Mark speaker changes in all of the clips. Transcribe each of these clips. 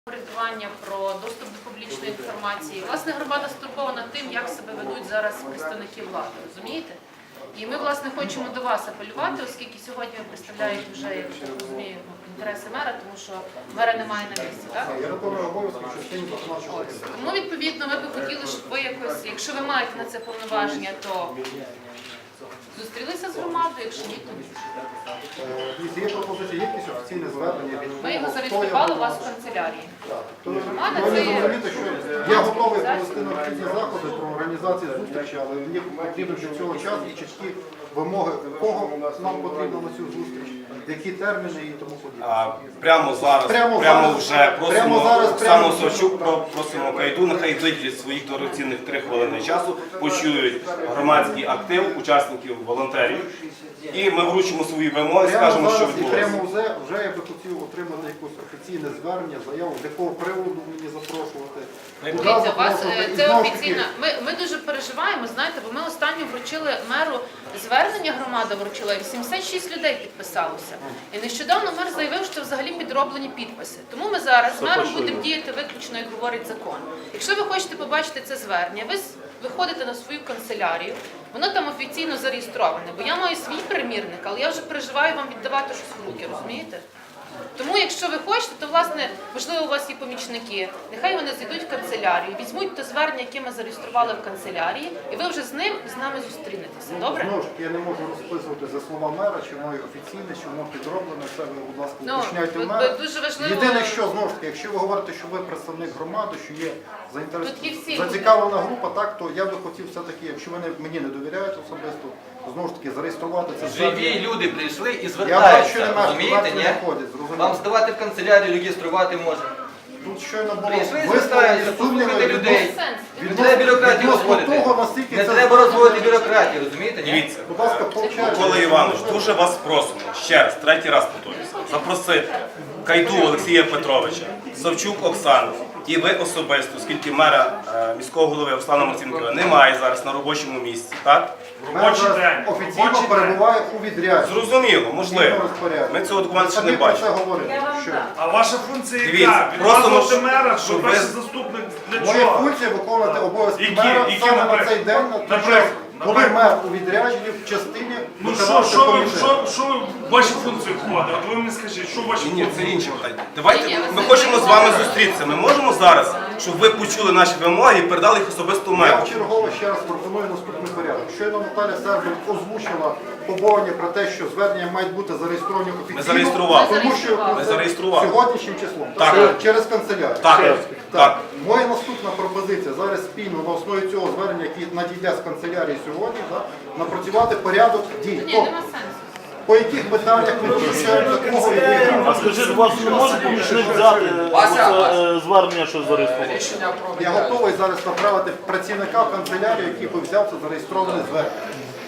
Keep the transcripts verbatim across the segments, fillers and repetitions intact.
Speaker 1: Орієнтування про доступ до публічної інформації. Власне, громада стурбована тим, як себе ведуть зараз представники влади, розумієте? І ми, власне, хочемо до вас апелювати, оскільки сьогодні ви представляєте вже, я так розумію, інтереси мера, тому що мера немає на місці, так?
Speaker 2: Я виконую обов'язки, що сьогодні починав.
Speaker 1: Тому, відповідно, ми б хотіли, щоб ви якось, якщо ви маєте на це повноваження, то зустрілися з громадою, якщо ні, то ні.
Speaker 2: Є пропозиція, є якісь офіційне звернення від
Speaker 1: Ми його зареєстрували у вас в канцелярії.
Speaker 2: Громада це є... Я готовий провести необхідні заходи про організацію зустрічі, але мені потрібно, щоб цього часу чіткі вимоги, кого нам потрібно на цю зустріч, які терміни і тому подібне.
Speaker 3: Прямо зараз, прямо,
Speaker 2: прямо
Speaker 3: зараз, вже просимо
Speaker 2: прямо зараз,
Speaker 3: Оксану
Speaker 2: прямо
Speaker 3: Савчук, просимо Кайду, нехай виділять своїх дорогоцінних три хвилини часу, почують громадський актив, учасників, волонтерів, і ми вручимо свої вимоги, скажемо, що
Speaker 2: відбулося. І
Speaker 3: відбулося.
Speaker 2: прямо вже, вже я би хотів отримати якесь офіційне звернення, заяву, з якого приводу мені запрошувати.
Speaker 1: Дивіться, вас це офіційно. Ми, ми дуже переживаємо, знаєте, бо ми останньо вручили меру звернення, громада вручила, вісімдесят шість людей підписалося. І нещодавно мер заявив, що це взагалі підроблені підписи. Тому ми зараз з мером будемо діяти виключно, як говорить закон. Якщо ви хочете побачити це звернення, ви виходите на свою канцелярію, воно там офіційно зареєстроване, бо я маю свій примірник, але я вже переживаю вам віддавати щось в руки, розумієте? Тому, якщо ви хочете, то, власне, можливо, у вас є помічники, нехай вони зайдуть в канцелярію, візьмуть те звернення, яке ми зареєстрували в канцелярії, і ви вже з ним, з нами зустрінетеся. Добре?
Speaker 2: Знову ж таки, я не можу розписувати за слова мера, чи воно офіційне, чи воно підроблене, це ви, будь ласка,
Speaker 1: Ну,
Speaker 2: уточняйте
Speaker 1: ви-
Speaker 2: мера.
Speaker 1: ви дуже важливо-
Speaker 2: Єдине, що, знову ж таки, якщо ви говорите, що ви представник громади, що є заінтерес...
Speaker 1: Тут є всі
Speaker 2: зацікавлена група, так, то я би хотів все-таки, якщо ви не- мені не довіряєте особисто, знову ж таки, зареєструвати це
Speaker 4: Живі люди прийшли і
Speaker 2: Я бачу,
Speaker 4: звертаються,
Speaker 2: нема,
Speaker 4: розумієте,
Speaker 2: не
Speaker 4: ні?
Speaker 2: заходять, зрозуміло.
Speaker 4: Вам здавати в канцелярію, реєструвати можна.
Speaker 2: Тут щойно було
Speaker 4: Прийшли,
Speaker 2: висловлені
Speaker 4: звертаються,
Speaker 2: сумніви
Speaker 4: послухайте людей.
Speaker 1: Сенс.
Speaker 4: Не треба бюрократію
Speaker 2: відносно
Speaker 4: розводити.
Speaker 2: того, наскільки
Speaker 4: Не
Speaker 2: це-
Speaker 4: треба розводити бюрократію, розумієте, ні?
Speaker 3: Дивіться,
Speaker 2: Будь ласка, получайте.
Speaker 3: Микола Іванович, дуже вас просимо, ще раз, третій раз повторюся, запросити Кайду Олексія Петровича, Савчук Оксану і ви особисто, оскільки мера е, міського голови Руслана Марцінкова немає зараз на робочому місці, так?
Speaker 2: Мер зараз офіційно перебуває у відрядженні.
Speaker 3: Зрозуміло, можливо. Ми цього документу ще не бачимо.
Speaker 5: А ваша функція
Speaker 3: Дивіться,
Speaker 5: яка?
Speaker 3: просто,
Speaker 5: Відносно
Speaker 3: ну,
Speaker 5: мера,
Speaker 3: щоб
Speaker 5: що
Speaker 3: ви-
Speaker 5: перший заступник для
Speaker 2: Моя
Speaker 5: чого?
Speaker 2: функція виконувати обов'язки
Speaker 5: Які?
Speaker 2: мера
Speaker 5: Які,
Speaker 2: саме на
Speaker 5: наприклад?
Speaker 2: цей день, на той
Speaker 5: Наприклад?
Speaker 2: час, коли
Speaker 5: Наприклад?
Speaker 2: мер у відрядженні в частині
Speaker 5: Ну що,
Speaker 2: виконавчого
Speaker 5: що, ви-
Speaker 2: комітету.
Speaker 5: що, що в ваші функції входить? От ви мені скажіть, що в ваші
Speaker 3: Ні, ні, це
Speaker 5: функції?
Speaker 3: інше питання. Давайте,
Speaker 1: Ні, ні,
Speaker 3: ми
Speaker 1: ви
Speaker 3: хочемо з вами
Speaker 1: знаєте,
Speaker 3: зустрітися. Ми можемо зараз, щоб ви почули наші вимоги і передали їх особисто
Speaker 2: Я
Speaker 3: меру.
Speaker 2: вчергово ще раз пропоную наступний порядок. Щойно Наталя Сербик озвучила побоювання про те, що звернення мають бути зареєстровані офіційно.
Speaker 3: Ми зареєстрували.
Speaker 2: Тому що
Speaker 1: Ми
Speaker 2: це
Speaker 3: зареєстрували.
Speaker 2: сьогоднішнім числом.
Speaker 3: Так.
Speaker 2: Через- Через канцелярію.
Speaker 3: Так.
Speaker 2: Через-
Speaker 3: Так.
Speaker 2: Моя наступна пропозиція зараз спільно на основі цього звернення, яке надійде з канцелярії сьогодні, да, напрацювати порядок дій.
Speaker 1: Ні,
Speaker 2: Тобто,
Speaker 1: нема сенсу.
Speaker 2: по яких питаннях ми визначаємо такого і
Speaker 6: А скажіть, у вас не може помічник взяти оце, е, звернення, що зареєстрували?
Speaker 2: я готовий зараз направити працівника в канцелярію, який би взяв це зареєстроване звернення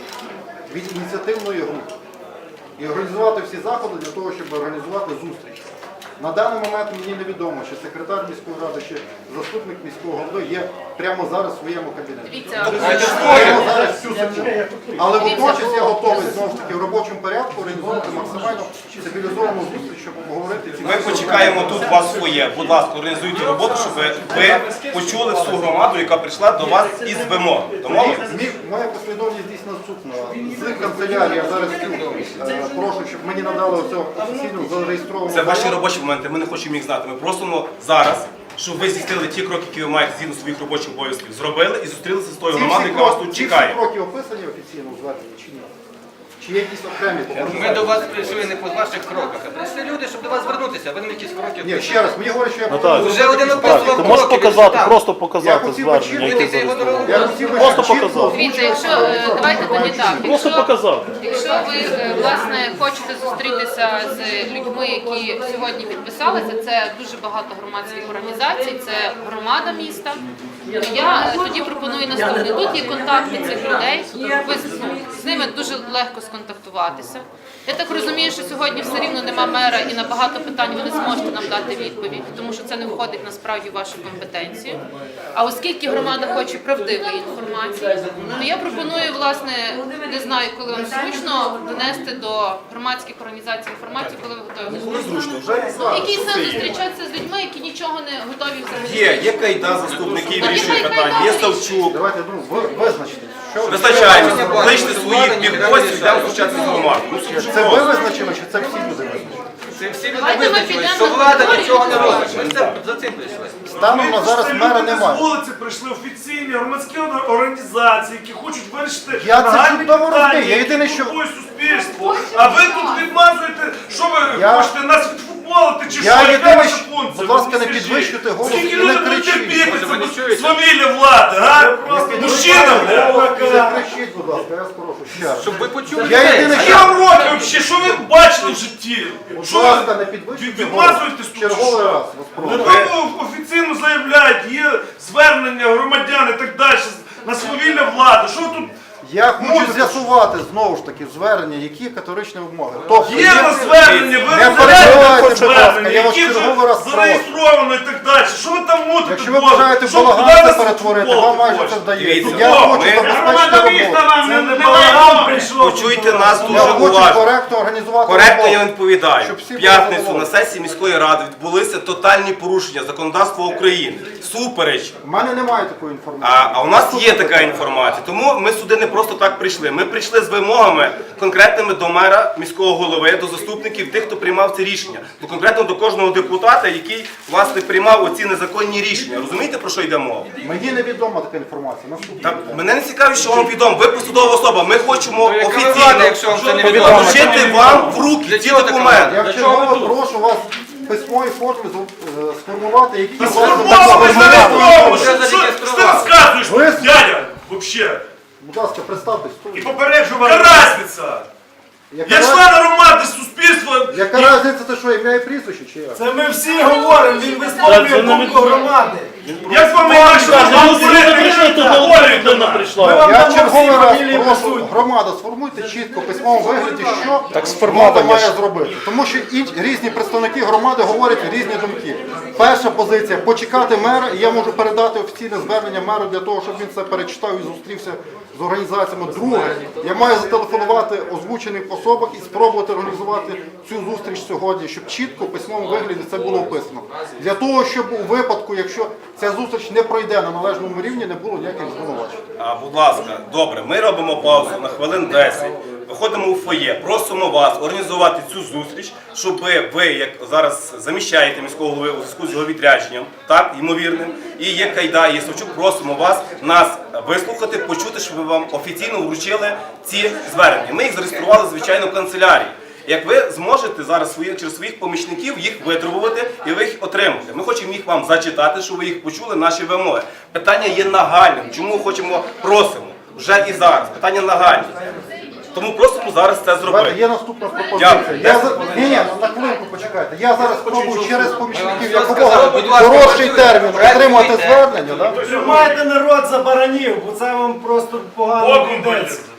Speaker 2: від ініціативної групи і організувати всі заходи для того, щоб організувати зустріч. На даний момент мені невідомо, чи секретар міської ради, чи заступник міського голови є прямо зараз в своєму кабінеті.
Speaker 1: Дивіться,
Speaker 2: Маємо зараз всю секунду. Але водночас я готовий знову ж таки в робочому порядку організувати максимально цивілізовану зустріч, щоб обговорити ці
Speaker 3: Ми почекаємо тут вас своє. Будь ласка, організуйте роботу, щоб ви почули всю громаду, яка прийшла до вас із вимог. Домовились?
Speaker 2: Мі- Моя послідовність дійсно наступна. З канцелярії я зараз цю, е, прошу, щоб мені надали оцю офіційну зареєстровану.
Speaker 3: Це ваші
Speaker 2: заяву.
Speaker 3: робочі моменти, ми не хочемо їх знати. Ми просимо зараз, щоб ви здійснили ті кроки, які ви маєте згідно своїх робочих обов'язків. Зробили і зустрілися з тою
Speaker 2: Ці
Speaker 3: громадою,
Speaker 2: всі
Speaker 3: яка вас
Speaker 2: кроки-
Speaker 3: тут
Speaker 2: ці
Speaker 3: чекає.
Speaker 2: всі кроки описані офіційно у зверненні чи ні? Чи є якісь окремі
Speaker 4: Ми
Speaker 2: побажання?
Speaker 4: до вас прийшли не по ваших кроках, а прийшли люди, щоб до вас звернутися, а ви нам якісь кроки.
Speaker 2: Ні, ще раз, мені говорять, що я
Speaker 6: Наталя,
Speaker 2: повинен
Speaker 4: Вже один
Speaker 2: зробити
Speaker 4: описував
Speaker 6: Ти
Speaker 2: так.
Speaker 6: можеш
Speaker 4: кроки,
Speaker 6: показати,
Speaker 4: він
Speaker 6: просто
Speaker 2: Я
Speaker 6: показати
Speaker 2: хотів
Speaker 6: звернення,
Speaker 2: почути,
Speaker 6: яке
Speaker 4: Вийти його
Speaker 6: зареєстровано.
Speaker 2: Я хотів би
Speaker 6: Просто
Speaker 2: чітко
Speaker 6: показати.
Speaker 1: дивіться, якщо е, давайте тоді так.
Speaker 6: Просто
Speaker 1: Якщо,
Speaker 6: показати.
Speaker 1: якщо ви е, власне хочете зустрітися з людьми, які сьогодні підписалися, це дуже багато громадських організацій, це громада міста. То я е, тоді пропоную наступне. Тут є контакти цих людей. Ви ну, з ними дуже легко сконтактуватися. Я так розумію, що сьогодні все рівно нема мера і на багато питань ви не зможете нам дати відповідь, тому що це не входить насправді в вашу компетенцію. А оскільки громада хоче правдивої інформації, то я пропоную, власне, не знаю, коли вам зручно, донести до громадських організацій інформацію, коли ви готові.
Speaker 3: Зручно, вже
Speaker 1: Який сенс зустрічатися з людьми, які нічого не готові взагалі?
Speaker 3: є, є Кайда, заступників вирішує питання, є Савчук.
Speaker 2: Давайте ну, ви, визначте. Що,
Speaker 3: Вистачаємо, кличте своїх півгостів, йдемо зустрічатися з громадою. Ну, це
Speaker 2: це
Speaker 3: просто.
Speaker 2: ви визначили, чи це всі люди визначили?
Speaker 4: Це всі люди
Speaker 1: Давайте ми
Speaker 4: визначили,
Speaker 1: підемо
Speaker 4: що
Speaker 1: на
Speaker 4: влада
Speaker 1: територію
Speaker 4: нічого не
Speaker 1: і
Speaker 4: робить. Ми це- за цим прийшли.
Speaker 2: Станом на зараз
Speaker 5: Це
Speaker 2: мера
Speaker 5: люди з
Speaker 2: немає.
Speaker 5: вулиці прийшли офіційні громадські організації, які хочуть вирішити
Speaker 2: Я це
Speaker 5: нагальні
Speaker 2: чудово
Speaker 5: питання,
Speaker 2: розумію. Я
Speaker 5: які
Speaker 2: єдине, що-
Speaker 5: турбують суспільство. А ви тут відмазуєте, що ви
Speaker 2: Я-
Speaker 5: хочете нас відфутболити чи
Speaker 2: Я
Speaker 5: що? Яка
Speaker 2: єдине,
Speaker 5: ваша
Speaker 2: що-
Speaker 5: функція?
Speaker 2: будь ласка,
Speaker 5: Ви
Speaker 2: не
Speaker 5: скажіть.
Speaker 2: підвищуйте голос
Speaker 5: Скільки
Speaker 2: і не
Speaker 5: люди будуть
Speaker 2: кричіть.
Speaker 5: терпіти
Speaker 4: Може, ви не
Speaker 5: це
Speaker 4: чуєте?
Speaker 5: свавілля влади, а? Мужчина, бля!
Speaker 2: Не кричіть, будь ласка, я вас прошу. Ще раз.
Speaker 4: Щоб ви почули
Speaker 2: Я
Speaker 4: людей.
Speaker 2: єдине,
Speaker 5: А
Speaker 2: що...
Speaker 5: я вам роблю вообще, що ви бачили в житті?
Speaker 2: Будь
Speaker 5: Що
Speaker 2: ласка, не
Speaker 5: ви
Speaker 2: підвищуйте
Speaker 5: відмазуєтесь тут? чи
Speaker 2: Черговий
Speaker 5: що?
Speaker 2: раз вас прошу.
Speaker 5: Ну, офіційно заявляють, є звернення громадян і так далі на свавілля влади. Що ви тут?
Speaker 2: Я хочу з'ясувати знову ж таки звернення, які категоричні вимоги. Тобто,
Speaker 5: Є на звернення, ви
Speaker 2: Не
Speaker 5: розглядаєте
Speaker 2: перебивайте, будь
Speaker 5: звернення,
Speaker 2: ласка, я вас
Speaker 5: які вже
Speaker 2: черговий раз прошу.
Speaker 5: зареєстровано і так далі. Що ви там мутите?
Speaker 2: Якщо ви
Speaker 5: Боже?
Speaker 2: бажаєте
Speaker 5: Що,
Speaker 2: балаган
Speaker 5: куди
Speaker 2: це
Speaker 5: нас
Speaker 2: перетворити,
Speaker 5: футбол
Speaker 2: вам майже
Speaker 5: хочете?
Speaker 2: це вдається.
Speaker 3: Дивіться,
Speaker 2: Я
Speaker 3: ми-
Speaker 2: хочу забезпечити роботу.
Speaker 5: Це не балаган прийшов.
Speaker 3: Почуйте нас
Speaker 2: Я
Speaker 3: дуже
Speaker 2: хочу
Speaker 3: уважно.
Speaker 2: коректно організувати
Speaker 3: Коректно я
Speaker 2: роботу.
Speaker 3: відповідаю.
Speaker 2: Щоб всі
Speaker 3: В
Speaker 2: були
Speaker 3: п'ятницю на
Speaker 2: задоволені.
Speaker 3: сесії міської ради відбулися тотальні порушення законодавства України. Супереч.
Speaker 2: У мене немає такої інформації.
Speaker 3: А, а у нас є така інформація. Тому ми сюди не просто так прийшли. Ми прийшли з вимогами конкретними до мера, міського голови, до заступників, тих, хто приймав це рішення. До конкретно до кожного депутата, який власне приймав оці незаконні рішення. Розумієте, про що йде мова?
Speaker 2: Мені невідома така інформація. Наступне.
Speaker 3: Та мене не цікавить, що вам відомо. Ви посадова особа. Ми хочемо
Speaker 4: Ну, яка ви
Speaker 3: офіційно
Speaker 4: влада, якщо вам це не відомо?
Speaker 3: вручити вам в руки ці
Speaker 4: чого така
Speaker 3: документи.
Speaker 2: Я вчергово прошу вас в письмовій формі з- е, сформувати, які
Speaker 5: Та
Speaker 2: власне,
Speaker 5: сформовано,
Speaker 2: так,
Speaker 5: ви зареєстровано.
Speaker 4: Вже
Speaker 5: Що що ти
Speaker 4: зареєстрували.
Speaker 5: розказуєш,
Speaker 2: Ви-
Speaker 5: дядя, вообще?
Speaker 2: Будь ласка, представтесь.
Speaker 5: І попереджу вам. Яка разниця?
Speaker 2: Яка,
Speaker 5: Я
Speaker 2: раз-
Speaker 5: член громади, суспільства.
Speaker 2: яка разниця, це що, ім'я і прізвище чи як?
Speaker 7: Це ми всі говоримо, він
Speaker 6: Це
Speaker 7: висловлює
Speaker 6: не
Speaker 7: думку громади.
Speaker 5: Як з вами інакше можна
Speaker 6: Ну, ви
Speaker 5: говорити?
Speaker 6: прийшли, то
Speaker 5: Говорите
Speaker 6: людина
Speaker 5: нам.
Speaker 6: прийшла.
Speaker 7: Ми вам
Speaker 2: Я
Speaker 7: дамо
Speaker 2: черговий
Speaker 7: всі
Speaker 2: раз
Speaker 7: фамілії
Speaker 2: прошу,
Speaker 7: присутні.
Speaker 2: громада, сформуйте чітко в письмовому вигляді, що громада має зробити. Тому що і різні представники громади говорять різні думки. Перша позиція – почекати мера, і я можу передати офіційне звернення меру для того, щоб він це перечитав і зустрівся з організаціями. Друге, я маю зателефонувати озвучених особах і спробувати організувати цю зустріч сьогодні, щоб чітко в письмовому вигляді це було описано. Для того, щоб у випадку, якщо ця зустріч не пройде на належному рівні, не було ніяких звинувачень.
Speaker 3: А, будь ласка, добре, ми робимо паузу на хвилин десять. Виходимо у фоє, просимо вас організувати цю зустріч, щоб ви, ви, як зараз заміщаєте міського голови у зв'язку з його відрядженням, так, ймовірним, і є Кайда, і є Савчук, просимо вас нас вислухати, почути, щоб ви вам офіційно вручили ці звернення. Ми їх зареєстрували, звичайно, в канцелярії. Як ви зможете зараз свої, через своїх помічників їх витребувати і ви їх отримати. Ми хочемо їх вам зачитати, щоб ви їх почули, наші вимоги. Питання є нагальним. Чому хочемо, просимо? Вже і зараз. Питання нагальне. Тому просимо зараз це
Speaker 2: Давайте,
Speaker 3: зробити.
Speaker 2: є наступна пропозиція.
Speaker 3: Дякую.
Speaker 2: Я за... Ні, ні, на хвилинку почекайте. Я зараз спробую через помічників
Speaker 4: Ми вам
Speaker 2: якомога
Speaker 4: сказали, будь ласка,
Speaker 2: коротший
Speaker 4: працюйте,
Speaker 2: термін отримати
Speaker 4: працюйте.
Speaker 2: звернення. Да?
Speaker 7: Тримайте народ за баранів, бо це вам просто погано
Speaker 5: Богом
Speaker 7: йдеться.
Speaker 5: буде.